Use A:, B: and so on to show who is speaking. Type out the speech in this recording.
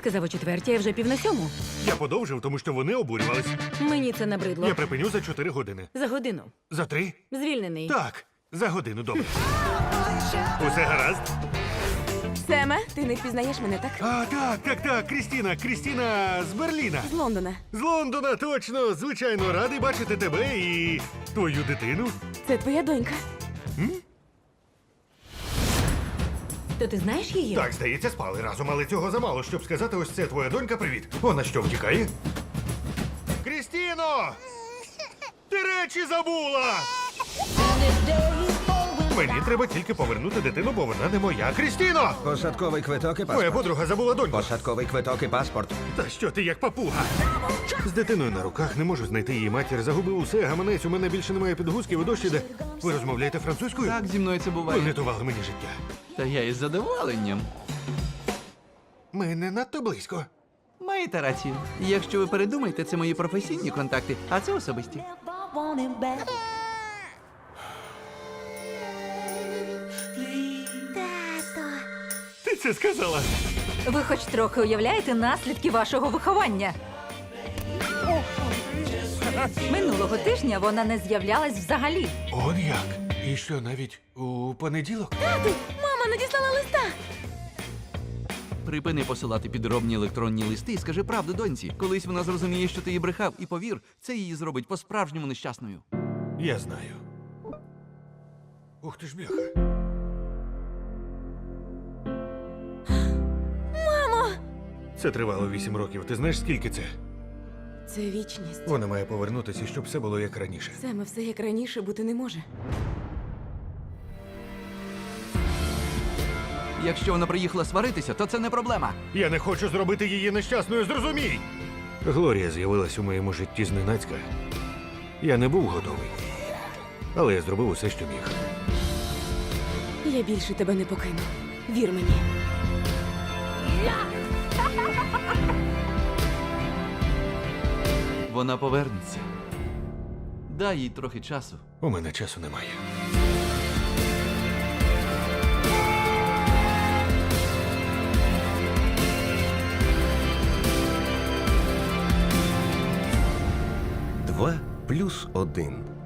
A: сказав о 4:00, а вже 6:45.
B: Я подовжив, тому що вони обурювались.
A: Мені це набридло.
B: Я припиню за 4 години.
A: За годину.
B: За 3?
A: Звільнений.
B: Так, за годину, добре. Усе гаразд?
C: Семе, ти не впізнаєш мене, так?
B: Так, Крістіна з Берліна.
C: З Лондона.
B: З Лондона, точно. Звичайно, радий бачити тебе і твою дитину.
C: Це твоя донька.
A: То ти знаєш її?
B: Так, здається, спали разом, але цього замало, щоб сказати, ось це твоя донька, привіт. Вона що, втікає? Крістіно! Ти речі забула! Мені треба тільки повернути дитину, бо вона не моя. Крістіно!
D: Посадковий квиток і
B: Моя
D: паспорт.
B: подруга забула доньку.
D: Посадковий квиток і паспорт.
B: Та що ти як папуга? З дитиною на руках не можу знайти її матір. Загубив усе, гаманець, у мене більше немає підгузків і дощ іде. Ви розмовляєте французькою?
E: Так, зі мною це
B: Ви
E: буває.
B: врятували мені життя.
E: Та я із задоволенням.
B: Ми не надто близько.
E: Маєте рацію. Якщо ви передумаєте, це мої професійні контакти, а це особисті.
B: Ти це сказала?
A: Ви хоч трохи уявляєте наслідки вашого виховання? Минулого тижня вона не з'являлась взагалі.
B: Он як? І що, навіть у понеділок?
C: Мама надіслала листа.
E: Припини посилати підробні електронні листи і скажи правду доньці. Колись вона зрозуміє, що ти її брехав, і повір, це її зробить по-справжньому нещасною.
B: Я знаю. Ух ти ж бляха. Це тривало 8 років. Ти знаєш, скільки це?
C: Це вічність.
B: Вона має повернутися, щоб все було як раніше.
C: Семе, все як раніше бути не може.
E: Якщо вона приїхала сваритися, то це не проблема.
B: Я не хочу зробити її нещасною, зрозумій! Глорія з'явилась у моєму житті зненацька. Я не був готовий. Але я зробив усе, що міг.
C: Я більше тебе не покину. Вір мені.
E: Вона повернеться. Дай їй трохи часу.
B: У мене часу немає.
D: Два плюс один.